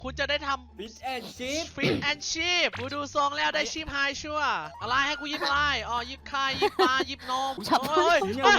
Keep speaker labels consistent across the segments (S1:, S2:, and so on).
S1: คุณจะได้ทำ
S2: ฟิชแอนชิพ
S1: ฟิตแอนชีพกูดูทรงแล้วได้ชีพไฮชัวร์อะไรให้กูยิบอะไรอ๋อยิบไข่ยิบปลายิบนมเฮ้ย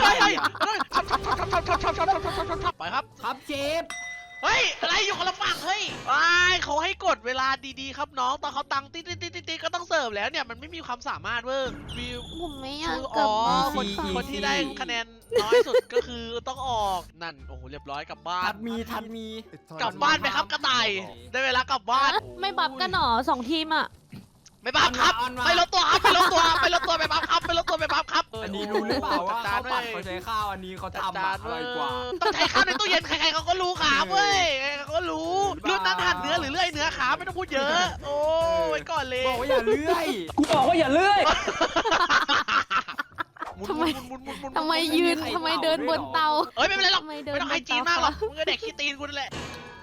S1: ไปครับ
S2: ครับเชฟ
S1: เฮ้ยอะไรอยู่คนละฝั่งเฮ้ยเขาให้กดเวลาดีๆครับน้องตอนเขาตังติ๊ดก็ต้องเสิร์ฟแล้วเนี่ยมันไม่มีความสามารถเว้ยวิว
S3: ผมไม่อยาก
S1: คือก
S3: ลับ
S1: อ๋อ
S3: มา
S1: คนที่ได้คะแนนน้อยสุดก็คือต้องออกนั่นโอ้โหเรียบร้อยกลับบ้าน
S2: ทัดมี
S1: กลับบ้านไปครับกระต่ายได้เวลากลับบ้าน
S3: ไม่บับกันหรอ2 ทีมอ่ะ
S1: ไม่บัฟครับไปลดตัวครับไปลดตัวไปบัฟครับไปลดตัวไปบัฟครับ
S2: อันนี้รู้หรือเปล่าว่าข้าวผัดเขาใช้ข้าวอันนี้เขาทำอร่อยกว่า
S1: ต้องใช้ข้าวในตู้เย็นใครๆเขาก็รู้ขาเว้ยใครๆเขาก็รู้เลือดนั้นหั่นเนื้อหรือเลื่อยเนื้อขาไม่ต้องพูดเยอะโอ้ยก่อนเลย
S2: บอกว่าอย่าเลื่อย
S4: กูบอกว่าอย่าเลื่อย
S3: ทำไมยืนทำไมเดินบนเตา
S1: เอ้ยไม่เป็นไรหรอก
S3: ทำไมเดิน
S1: ไม่ต้องให้จีนมากหรอกมึงก็เด็กขี้ตีนกูนั่นแหละ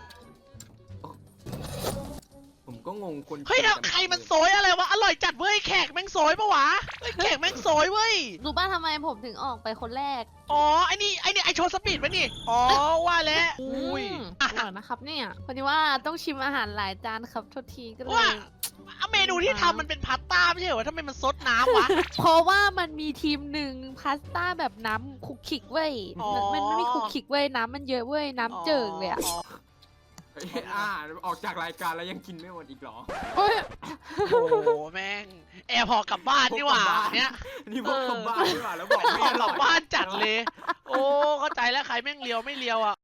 S2: ผมก็งงคน
S1: เฮ้ยใครมันโซยอะไรวะอร่อยจัดเว้ยแขกแม่งโซยปะวะเฮ้ยแขกแม่งโซยเว้ย
S3: รู้ป่ะทำไมผมถึงออกไปคนแรก
S1: อ๋อไอ้นี่ไอโชว์สปีดปะนี่อ๋อว่าแล้วอุ้ย
S3: อร่อยนะครับเนี่ยพอดีว่าต้องชิมอาหารหลายจานครับโทษทีก็เล
S1: ว่าย เมนูที่ทำมันเป็นพาสต้าไม่ใช่เหรอทำไมมันซดน้ำวะ
S3: เพราะว่ามันมีทีมหนึ่งพาสต้าแบบน้ำคุกคิกเว้ย
S1: อ๋อ
S3: มันไม่คุกคิกเว้ยน้ำมันเยอะเว้ยน้ำเจิ่งเลยอะ
S2: ออกจากรายการแล้วยังกินไม่หมดอีกเหรอ
S3: โอ้ย
S1: โอ้โหแม่งแอร์พอกลับบ้านนี่หว่าเนี่ย
S2: นี่พวกกลับบ้านดีกว่าแล้วบอก
S1: แอ
S2: ไม่
S1: ร์พอก
S2: อร่
S1: ลั
S2: อบ ย
S1: บ้านจัดเลย โอ้เข้าใจแล้วใครแม่งเลียวไม่เลียวอ่ะ